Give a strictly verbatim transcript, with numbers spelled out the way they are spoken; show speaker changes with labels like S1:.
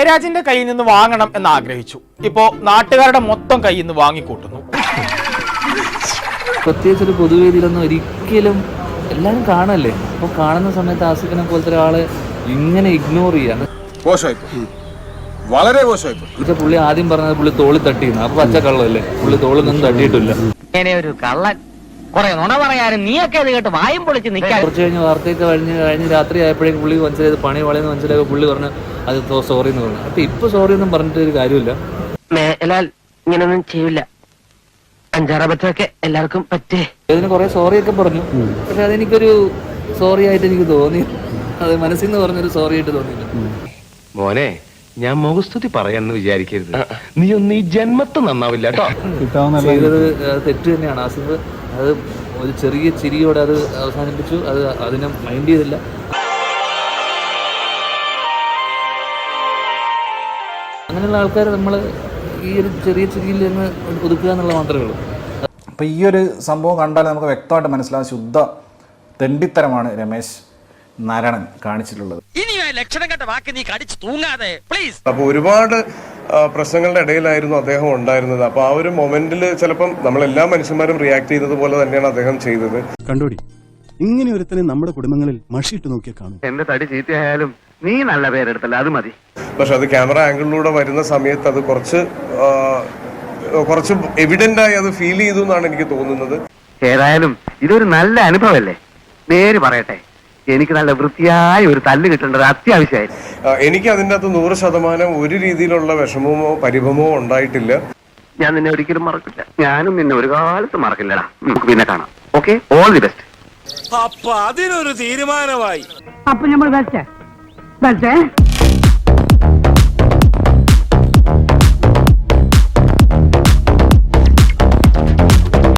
S1: ജയരാജിന്റെ കയ്യിൽ നിന്ന് വാങ്ങണം എന്ന് ആഗ്രഹിച്ചു. ഇപ്പോ നാട്ടുകാരുടെ മൊത്തം കയ്യിൽ നിന്ന് വാങ്ങിക്കൂട്ടുന്നു.
S2: പ്രത്യേകിച്ച് ഒരു പൊതുവേദിയിലൊന്നും ഒരിക്കലും എല്ലാവരും കാണല്ലേ, അപ്പോൾ കാണുന്ന സമയത്ത് ആസിഫിനെ പോലത്തെ ഒരാളെ ഇങ്ങനെ ഇഗ്നോർ ചെയ്യാൻ
S3: വളരെ മോശമായി.
S2: ഇത് പുള്ളി ആദ്യം പറഞ്ഞത് പുള്ളി തോളി തട്ടിയിരുന്നു. അപ്പൊ പച്ച കള്ളല്ലേ, പുള്ളി തോളിൽ നിന്നും തട്ടിയിട്ടില്ല.
S4: ഒരു കള്ളൻ കുറെ നുണ പറയാനും നീയൊക്കെ ഇത് കേട്ട് വായും പൊളിച്ച് നിൽക്കാൻ.
S2: കുറച്ച് കഴിഞ്ഞ് വാർത്തയൊക്കെ കഴിഞ്ഞ് കഴിഞ്ഞ് രാത്രി ആയപ്പോഴേക്കും പുള്ളി മനസ്സിലായത് പണി വളയെന്ന് മനസ്സിലായപ്പോ പുള്ളി പറഞ്ഞു അത് സോറി എന്ന് പറഞ്ഞു. അപ്പൊ ഇപ്പൊ സോറി ഒന്നും പറഞ്ഞിട്ട് ഒരു കാര്യമില്ല.
S4: മേലാൽ ഇങ്ങനൊന്നും ചെയ്യില്ല. അഞ്ചാറബത്തൊക്കെ എല്ലാവർക്കും പറ്റേ.
S2: അതിന് കുറെ സോറിയൊക്കെ പറഞ്ഞു, പക്ഷെ അതെനിക്കൊരു സോറി ആയിട്ട് എനിക്ക് തോന്നി. അത് മനസ്സിൽ നിന്ന് പറഞ്ഞൊരു സോറി ആയിട്ട് തോന്നിയില്ല.
S5: മോനെ, ഞാൻ മുഖസ്തുതി പറയാന്ന് വിചാരിക്കരുത്. നീ ഒന്ന് ഈ ജന്മത്ത് നന്നാവില്ല കേട്ടോ.
S2: ചെയ്തത് തെറ്റ് തന്നെയാണ്. ആസിഫ് അത് ഒരു ചെറിയ ചിരിയോടെ അത് അവസാനിപ്പിച്ചു. അത് അതിനെ മൈൻഡ് ചെയ്തില്ല. അങ്ങനെയുള്ള ആൾക്കാർ നമ്മൾ ഈ ഒരു ചെറിയ ചിരിയിൽ നിന്ന് ഒതുക്കുക എന്നുള്ള മാത്രമേ ഉള്ളൂ.
S6: അപ്പോൾ ഈ ഒരു സംഭവം കണ്ടാൽ നമുക്ക് വ്യക്തമായിട്ട് മനസ്സിലാവും ശുദ്ധ തെണ്ടിത്തരമാണ് രമേശ് നാരായണൻ കാണിച്ചിട്ടുള്ളത്.
S3: അപ്പോൾ ഒരുപാട് പ്രശ്നങ്ങളുടെ ഇടയിലായിരുന്നു അദ്ദേഹം ഉണ്ടായിരുന്നത്. അപ്പോൾ ആ ഒരു മൊമെന്റിൽ ചിലപ്പം നമ്മളെല്ലാ മനുഷ്യന്മാരും റിയാക്ട് ചെയ്യുന്നത് പോലെ തന്നെയാണ് അദ്ദേഹം ചെയ്തത്.
S7: കണ്ടോടി, ഇങ്ങനെ ഒരുത്തനെ നമ്മുടെ കുടുംബങ്ങളിൽ മഷിയിട്ട് നോക്കിയാൽ കാണും.
S5: എന്റെ തടി ചീത്തയായാലും നീ നല്ല പേരെടുത്തല്ല, അത് മതി.
S3: പക്ഷെ അത് ക്യാമറ ആംഗിളിലൂടെ വരുന്ന സമയത്ത് അത് കുറച്ച് കുറച്ച് എവിഡന്റ് ആയി അത് ഫീൽ ചെയ്തു എന്നാണ് എനിക്ക് തോന്നുന്നത്.
S5: ഏതായാലും ഇതൊരു നല്ല അനുഭവമല്ലേ. നേര് പറയട്ടെ, എനിക്ക് നല്ല വൃത്തിയായ ഒരു തല്ല് കിട്ടേണ്ടത് അത്യാവശ്യമായിരുന്നു.
S3: എനിക്ക് അതിൻ്റെ അകത്ത് നൂറ് ശതമാനം ഒരു രീതിയിലുള്ള വിഷമമോ പരിഭവമോ ഉണ്ടായിട്ടില്ല.
S5: ഞാൻ നിന്നെ ഒരിക്കലും മറക്കില്ല. ഞാനും നിന്നെ ഒരു കാലത്ത് മറക്കില്ലടാ. നമുക്ക് പിന്നെ കാണാം. Okay, all the best.
S8: അപ്പൊ അതിനൊരു തീരുമാനമായി.
S4: അപ്പൊ നമ്മൾ